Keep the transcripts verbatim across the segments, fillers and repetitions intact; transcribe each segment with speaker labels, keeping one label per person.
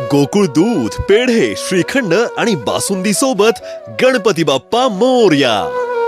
Speaker 1: गोकुळ दूध, पेढे, श्रीखंड आणि बासुंदी सोबत गणपती बाप्पा मोरया।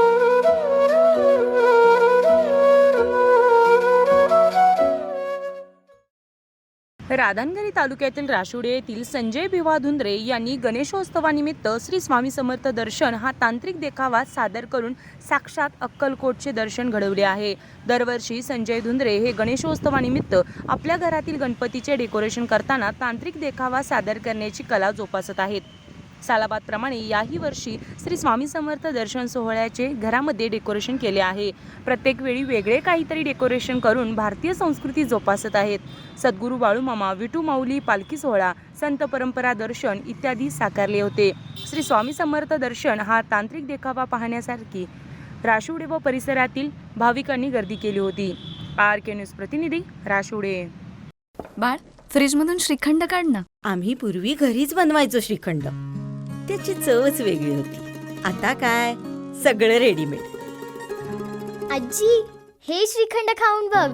Speaker 2: राधानगरी तालुक्यातील राशुडे येथील संजय भिवा धुंद्रे यांनी गणेशोत्सवानिमित्त श्री स्वामी समर्थ दर्शन हा तांत्रिक देखावा सादर करून साक्षात अक्कलकोटचे दर्शन घडवले आहे। दरवर्षी संजय धुंद्रे हे गणेशोत्सवानिमित्त आपल्या घरातील गणपतीचे डेकोरेशन करताना तांत्रिक देखावा सादर करण्याची कला जोपासत आहेत। सालाबादप्रमाणे याही वर्षी श्री स्वामी समर्थ दर्शन सोहळ्याचे घरामध्ये डेकोरेशन केले आहे। प्रत्येक वेळी वेगळे काहीतरी डेकोरेशन करून भारतीय संस्कृती जोपासत आहेत। सद्गुरू बाळूमामा, विठू माऊली पालखी सोहळा, संत परंपरा दर्शन इत्यादी साकारले होते। श्री स्वामी समर्थ दर्शन हा तांत्रिक देखावा पाहण्यासारखी राशुडे व परिसरातील भाविकांनी गर्दी केली होती। आर के न्यूज प्रतिनिधी राशुडे।
Speaker 3: बाळ, फ्रीजमधून श्रीखंड काढ ना।
Speaker 4: आम्ही पूर्वी घरीच बनवायचो श्रीखंड, त्याची चवच वेगळी होती। आता काय सगळं रेडीमेड।
Speaker 5: आजी, हे श्रीखंड खाऊन बघ।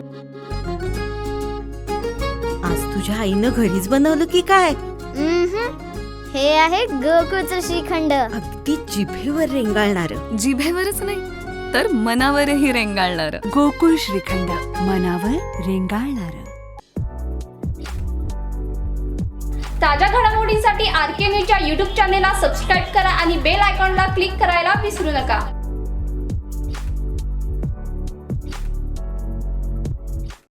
Speaker 4: आज तुझ्या आईनं घरीच बनवलं की काय?
Speaker 5: हे आहे गोकुळचं श्रीखंड।
Speaker 4: अगदी जिभेवर रेंगाळणार।
Speaker 3: जिभेवरच नाही तर मनावरही रेंगाळणार।
Speaker 6: गोकुळ श्रीखंड, मनावर रेंगाळणार।
Speaker 7: ताज्या घडामोडींसाठी आर के न्यूजच्या यूट्यूब चॅनेलला सबस्क्राईब करा आणि बेल आयकॉनला क्लिक करायला विसरू नका।